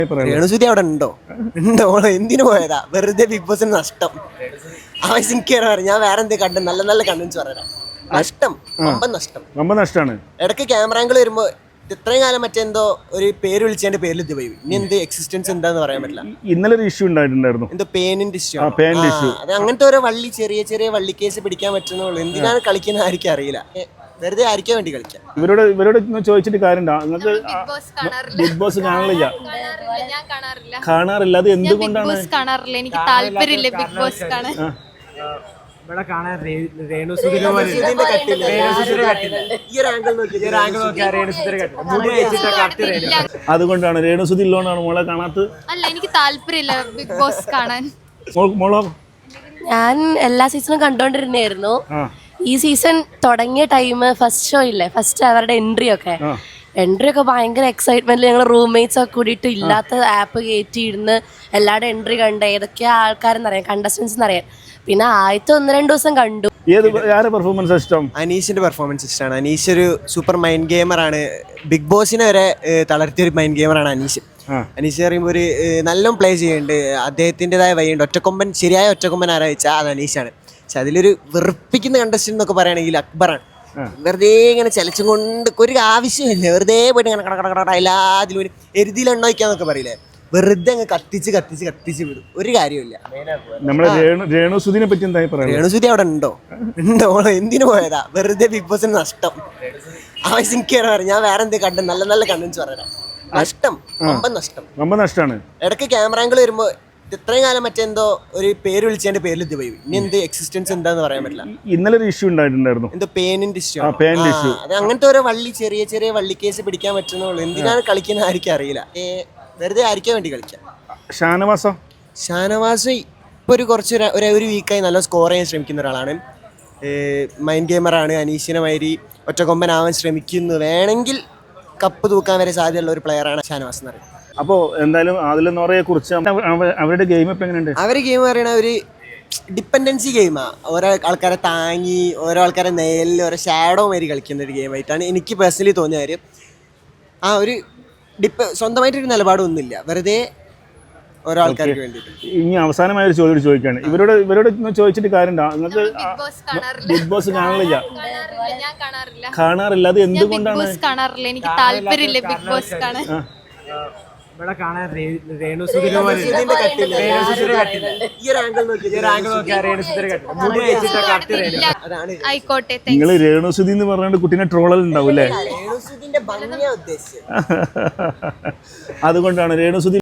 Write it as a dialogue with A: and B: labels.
A: രേണുസുതി അവിടെ ഉണ്ടോ എന്തിനു പോയതാ വെറുതെ ബിഗ് ബോസിന് നഷ്ടം. ആവശ്യം ഞാൻ വേറെ എന്ത് കണ്ടു നല്ല നല്ല കണ്ടൻസ് പറയാം. നഷ്ടം വമ്പൻ നഷ്ടമാണ്. ഇടയ്ക്ക് ക്യാമറ ആംഗിൾ വരുമ്പോ ഇത്രയും കാലം മറ്റെന്തോ ഒരു പേര് വിളിച്ചതിന്റെ പേരിൽ ഇത് പോയി. ഇനി എന്ത് എക്സിസ്റ്റൻസ് എന്താന്ന് പറയാൻ പറ്റില്ല.
B: ഇന്നലെ ഒരു ഇഷ്യൂ ഉണ്ടായിട്ടുണ്ടായിരുന്നു,
A: എന്തോ പേനിന്റെ ഇഷ്യൂ. അത് അങ്ങനത്തെ ഓരോ വള്ളി ചെറിയ ചെറിയ വള്ളി കേസ് പിടിക്കാൻ പറ്റുന്നുള്ളൂ. എന്തിനാണ് കളിക്കുന്ന ആർക്കും അറിയില്ല. വെറുതെ ആയിരിക്കാൻ വേണ്ടി കളിക്കാം.
B: ഇവരോട് ചോദിച്ചിട്ട് കാര്യമുണ്ടോ? നിങ്ങൾക്ക് ബിഗ് ബോസ് കാണാറില്ല? അത് എന്തുകൊണ്ടാണ്?
C: എനിക്ക് താല്പര്യമില്ല ബിഗ് ബോസ് കാണാൻ.
D: ഇവിടെ കാണാൻ
B: അതുകൊണ്ടാണ് രേണുസുതി ഉള്ളതുകൊണ്ടാണ് മോളെ കാണാത്തത്.
C: അല്ല, എനിക്ക് താല്പര്യമില്ല ബിഗ് ബോസ് കാണാൻ.
B: മോളോ?
E: ഞാൻ എല്ലാ സീസണും കണ്ടോണ്ടിരുന്നായിരുന്നു. ഈ സീസൺ തുടങ്ങിയ ടൈം ഫസ്റ്റ് ഷോ ഇല്ലേ, ഫസ്റ്റ് അവരുടെ എൻട്രി ഒക്കെ ഭയങ്കര എക്സൈറ്റ്മെന്റിൽ ഞങ്ങൾ റൂംമേറ്റ്സ് ഒക്കെ കൂടിയിട്ട് ഇല്ലാത്ത ആപ്പ് കയറ്റിയിരുന്ന് എല്ലാവരുടെ എൻട്രി കണ്ട് ഏതൊക്കെയാ ആൾക്കാരെന്നറിയാം, കണ്ടസ്റ്റൻസ് എന്നറിയാം. പിന്നെ ആദ്യത്തെ 1-2 ദിവസം കണ്ടു.
B: പെർഫോമൻസ് ഇഷ്ടം?
A: അനീഷിന്റെ പെർഫോമൻസ് ഇഷ്ടമാണ്. അനീഷ് ഒരു സൂപ്പർ മൈൻഡ് ഗെയിമറാണ്. ബിഗ് ബോസിനെ വരെ തളർത്തിയ ഒരു മൈൻഡ് ഗെയിമറാണ് അനീഷ്. അനീഷ് പറയുമ്പോൾ ഒരു നല്ല പ്ലേ ചെയ്യുന്നുണ്ട്. അദ്ദേഹത്തിൻ്റെതായ വഴിയുണ്ട്. ശരിയായ ഒറ്റക്കൊമ്പൻ ആരാ വെച്ചാൽ അത് അനീഷാണ്. പക്ഷെ അതിലൊരു വെറുപ്പിക്കുന്ന കണ്ടസ്റ്റന്റ് എന്നൊക്കെ പറയുകയാണെങ്കിൽ അക്ബറാണ്. വെറുതെ ഇങ്ങനെ ചലച്ചും കൊണ്ട് ഒരു ആവശ്യമില്ല. വെറുതെ പോയിട്ട് ഇങ്ങനെ കട എല്ലാത്തിലും ഒരു എരുതിയിൽ എണ്ണ വയ്ക്കാന്നൊക്കെ പറയില്ലേ, വെറുതെ അങ്ങ് കത്തിച്ച് വിടും. ഒരു കാര്യമില്ല.
B: രേണുസുതിനെ പറ്റി എന്തായി പറയാം?
A: രേണുസുതി അവിടെ ഉണ്ടോ എന്തിനു പോയതാ വെറുതെ ബിഗ് ബോസിന് നഷ്ടം. ആവശ്യം ഞാൻ വേറെ എന്ത് കണ്ടു നല്ല നല്ല കണ്ടൻസ് പറയാം. നഷ്ടം വമ്പൻ നഷ്ടമാണ്. ഇടയ്ക്ക് ക്യാമറ ആംഗിൾ വരുമ്പോ ഇത്രയും കാലം മറ്റെന്തോ ഒരു പേര് വിളിച്ചതിന്റെ പേരിൽ ഇത് പോയി. ഇനി എന്ത് എക്സിസ്റ്റൻസ് എന്താന്ന് പറയാൻ പറ്റില്ല.
B: ഇന്നലെ ഒരു ഇഷ്യൂ ഉണ്ടായിട്ടുണ്ടായിരുന്നു,
A: എന്തോ പേനിന്റെ ഇഷ്യൂ. അത് അങ്ങനത്തെ ഓരോ വള്ളി ചെറിയ ചെറിയ വള്ളി കേസ് പിടിക്കാൻ പറ്റുന്നുള്ളൂ. എന്തിനാണ് കളിക്കുന്ന ആർക്കും അറിയില്ല. വെറുതെ ആയിരിക്കാൻ വേണ്ടി കളിക്കാം. ഷാനവാസ് ഇപ്പൊ ഒരു വീക്കായി നല്ല സ്കോർ ചെയ്യാൻ ശ്രമിക്കുന്ന ഒരാളാണ്. മൈൻഡ് ഗെയിമറാണ്. അനീഷിനെ മാതിരി ഒറ്റക്കൊമ്പനാവാൻ ശ്രമിക്കുന്നു. വേണമെങ്കിൽ കപ്പ് തൂക്കാൻ വരെ സാധ്യതയുള്ള ഒരു പ്ലെയറാണ് ഷാനവാസ് എന്ന് പറയുന്നത്.
B: അപ്പോൾ എന്തായാലും അതിലെന്നോറയെ കുറിച്ച് അവരുടെ ഗെയിം ഇപ്പം എങ്ങനെയുണ്ട്?
A: അവരുടെ ഗെയിം പറയണ ഒരു ഡിപ്പെൻഡൻസി ഗെയിമാണ്. ഓരോ ആൾക്കാരെ താങ്ങി ഓരോ ആൾക്കാരെ നേരിൽ ഓരോ ഷാഡോ മാതിരി കളിക്കുന്ന ഒരു ഗെയിമായിട്ടാണ് എനിക്ക് പേഴ്സണലി തോന്നിയ കാര്യം. ഒരു സ്വന്തമായിട്ടൊരു നിലപാടൊന്നുമില്ല, വെറുതെ ഓരോ ആൾക്കാർക്ക് വേണ്ടിയിട്ട്.
B: ഇനി അവസാനമായ ഒരു ചോദ്യം ചോദിക്കുകയാണ്. ഇവരോട് ചോദിച്ചിട്ട് കാര്യമുണ്ടോ? നിങ്ങൾക്ക് ബിഗ് ബോസ് കാണാറില്ല? അത് എന്തുകൊണ്ടാണ്?
C: എനിക്ക് താല്പര്യമില്ല ബിഗ് ബോസ് കാണാൻ.
D: ഇവിടെ കാണാൻ
C: ആയിക്കോട്ടെ.
B: നിങ്ങൾ രേണുസുതി എന്ന് പറഞ്ഞാൽ കുട്ടീനെ ട്രോളൽ ഉണ്ടാവും അല്ലേ? അതുകൊണ്ടാണ് രേണുസുതി